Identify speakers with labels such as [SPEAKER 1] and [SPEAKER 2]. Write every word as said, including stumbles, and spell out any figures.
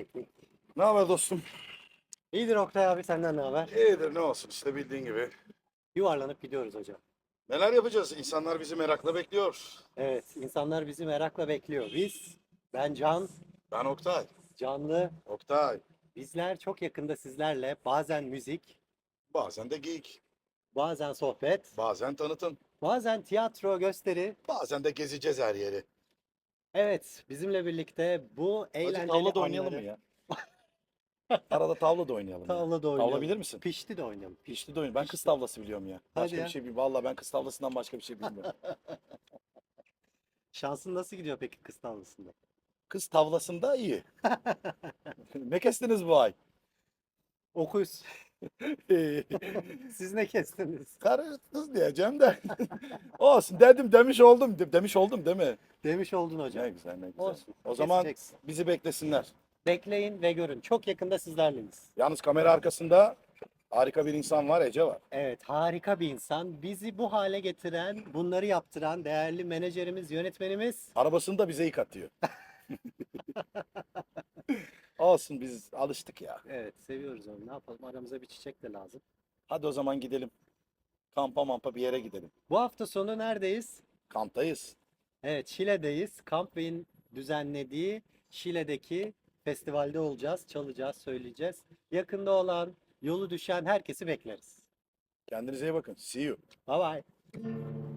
[SPEAKER 1] teknik.
[SPEAKER 2] Ne haber dostum?
[SPEAKER 1] İyidir Oktay abi, senden ne haber?
[SPEAKER 2] İyidir, ne olsun işte bildiğin gibi.
[SPEAKER 1] Yuvarlanıp gidiyoruz hocam.
[SPEAKER 2] Neler yapacağız? İnsanlar bizi merakla bekliyor.
[SPEAKER 1] Evet, insanlar bizi merakla bekliyor. Biz, ben Can,
[SPEAKER 2] Ben Oktay.
[SPEAKER 1] Canlı,
[SPEAKER 2] Oktay.
[SPEAKER 1] bizler çok yakında sizlerle bazen müzik,
[SPEAKER 2] Bazen de geek.
[SPEAKER 1] bazen sohbet,
[SPEAKER 2] Bazen tanıtım.
[SPEAKER 1] bazen tiyatro, gösteri.
[SPEAKER 2] Bazen de gezeceğiz her yeri.
[SPEAKER 1] Evet, bizimle birlikte bu
[SPEAKER 2] Hadi
[SPEAKER 1] eğlenceli
[SPEAKER 2] tavla da oynayalım mı
[SPEAKER 1] anları
[SPEAKER 2] ya? Arada tavla da oynayalım ya.
[SPEAKER 1] tavla da
[SPEAKER 2] Tavla
[SPEAKER 1] oynayalım.
[SPEAKER 2] bilir misin?
[SPEAKER 1] Pişti de oynayalım.
[SPEAKER 2] Pişti de oynayalım. Ben kız
[SPEAKER 1] Pişti.
[SPEAKER 2] tavlası biliyorum ya.
[SPEAKER 1] Hadi
[SPEAKER 2] Başka
[SPEAKER 1] ya.
[SPEAKER 2] bir şey bilmiyorum. Vallahi ben kız tavlasından başka bir şey bilmiyorum.
[SPEAKER 1] Şansın nasıl gidiyor peki kız tavlasında?
[SPEAKER 2] Kız tavlasında iyi. Ne kestiniz bu ay?
[SPEAKER 1] Okuz. Siz ne kestiniz?
[SPEAKER 2] Karı kız diyeceğim de. Olsun dedim demiş oldum. De- Demiş oldum değil mi?
[SPEAKER 1] Demiş oldun hocam.
[SPEAKER 2] Ne güzel ne güzel.
[SPEAKER 1] Olsun.
[SPEAKER 2] O zaman
[SPEAKER 1] Keseceksin.
[SPEAKER 2] bizi beklesinler.
[SPEAKER 1] Bekleyin ve görün. Çok yakında sizlerleyiz.
[SPEAKER 2] Yalnız kamera arkasında harika bir insan var, Ece var.
[SPEAKER 1] Evet, harika bir insan. Bizi bu hale getiren, bunları yaptıran değerli menajerimiz, yönetmenimiz.
[SPEAKER 2] Arabasını da bize yıkatıyor. Olsun biz alıştık ya.
[SPEAKER 1] Evet, seviyoruz onu. Ne yapalım? Aramıza bir çiçek de lazım.
[SPEAKER 2] Hadi o zaman gidelim. Kampa mampa bir yere gidelim.
[SPEAKER 1] Bu hafta sonu neredeyiz?
[SPEAKER 2] Kamptayız.
[SPEAKER 1] Evet, Şile'deyiz. Campbell'in düzenlediği Şile'deki festivalde olacağız. Çalacağız, söyleyeceğiz. Yakında olan, yolu düşen herkesi bekleriz.
[SPEAKER 2] Kendinize iyi bakın. See you.
[SPEAKER 1] Bye bye.